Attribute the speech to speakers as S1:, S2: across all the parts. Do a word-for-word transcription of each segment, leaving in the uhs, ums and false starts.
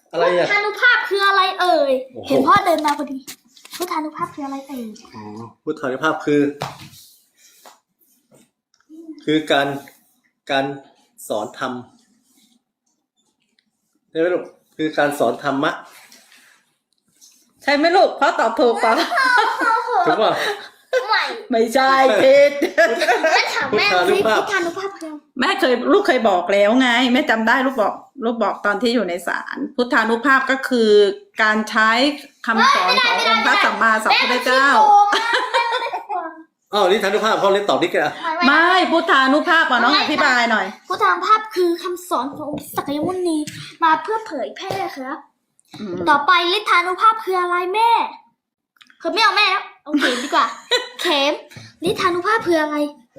S1: อะไรอ่ะ
S2: พุทธานุภาพคืออะไรเอ่ยเห็นพ่อเดินมาพอดีพุทธานุภาพคืออะไรเอ่ย
S1: อ๋อพุทธานุภาพคือ คือการการสอนธรรมใช่ไหมลูกคือการสอนธรรมะ
S3: ใช่ไหมลูกพ่อตอบถูกเปล่า
S1: ถูกป่ะ
S2: ไม่
S3: ไม่ใช่ผิด
S2: แม่ถามแม่สิพุทธานุภาพคือ
S3: แม่เคยลูกเคยบอกแล้วไงแม่จำได้ลูกบอกลูกบอกตอนที่อยู่ในศาลพุทธานุภาพก็คือการใช้คำสอนขององค์พระสัมมาสัมพุทธเจ้า
S1: อ้าวนี่ธานุภาพเขาเล่นตอบนี่กันอ่ะ
S3: ไม่พุทธานุภาพอ่ะน้องอธิบายหน่อย
S2: พุทธานุภาพคือคำสอนขององค์สักยมุนีมาเพื่อเผยแพร่ครับ
S3: อืม
S2: ต่อไปฤทธานุภาพคืออะไรแม่คือไม่เอาแม่แล้วเอาเข็มดีกว่า เข็มฤทธานุภาพคืออะไร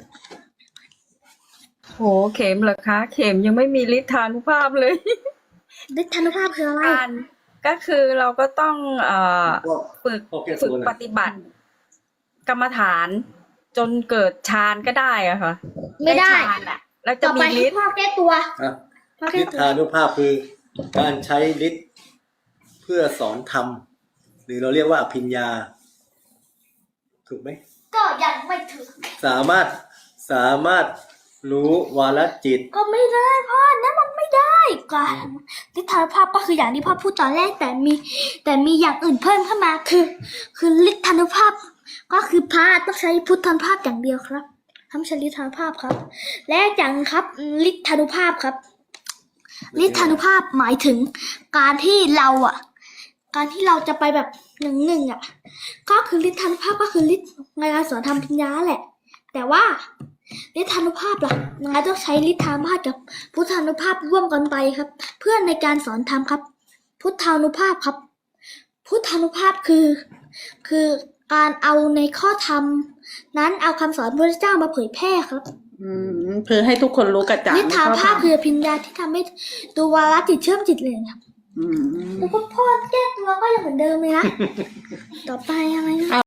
S4: โหเข็มเหรอคะ เข็มยังไม่มีฤทธานุภาพเลย
S2: ฤทธานุภาพคืออะไร
S4: การก็คือเราก็ต้องเอ่อฝึก
S1: โอเค
S4: ฝึก
S1: ส่วน
S4: ปฏิบัติ กรรมฐานจนเกิดฌานก็ได้อะค่ะ
S2: ไม่ได้
S4: ฌานอะแล้วจะ
S2: ต่อ
S4: มี
S2: ไป
S4: ฤทธิ์
S2: พ่อแก้ตัว
S1: อ่ะ
S2: พ่อแก้
S1: ฤท
S2: ตัว
S1: ธานุภาพคือการใช้ฤทธิ์เพื่อสอนธรรมหรือเราเรียกว่าอภิญญา ถูกไหม
S2: ก็ยังไม่ถึง
S1: สามารถสามารถรู้วาลจิต
S2: ก็ไม่ได้พ่อนั่นมันไม่ได้การฤทธานุภาพก็คืออย่างที่พ่อพูดตอนแรกแต่มีแต่มีอย่างอื่นเพิ่มเข้ามาคือ คือฤทธานุภาพ ก็คือพระต้องใช้พุทธานุภาพอย่างเดียวครับทำใช้ฤทธานุภาพครับ และอย่างครับฤทธานุภาพครับฤทธานุภาพหมายถึงการที่เราอ่ะ การที่เราจะไปแบบหนึ่งหนึ่งอ่ะ ก็คือฤทธานุภาพก็คือฤทธิ์ในการสอนทำปัญญาแหละ แต่ว่าฤทธานุภาพล่ะยังไงต้องใช้ฤทธานุภาพกับพุทธานุภาพร่วมกันไปครับ เพื่อในการสอนธรรมครับ พุทธานุภาพครับ พุทธานุภาพคือ คือการเอาในข้อธรรมนั้นเอาคำสอนพระเจ้ามาเผยแพร่ครับ
S3: อืมเพื่อให้ทุกคนรู้กระจ่าง
S2: ฤทธานุภาพคือปัญญาที่ทำให้ตัววาระจิตเชื่อมจิตเลยครับ
S3: อืม
S2: แล้วก็พ่อแก้ตัวก็ยังเหมือนเดิมเลยนะ ต่อไปอะไรนะ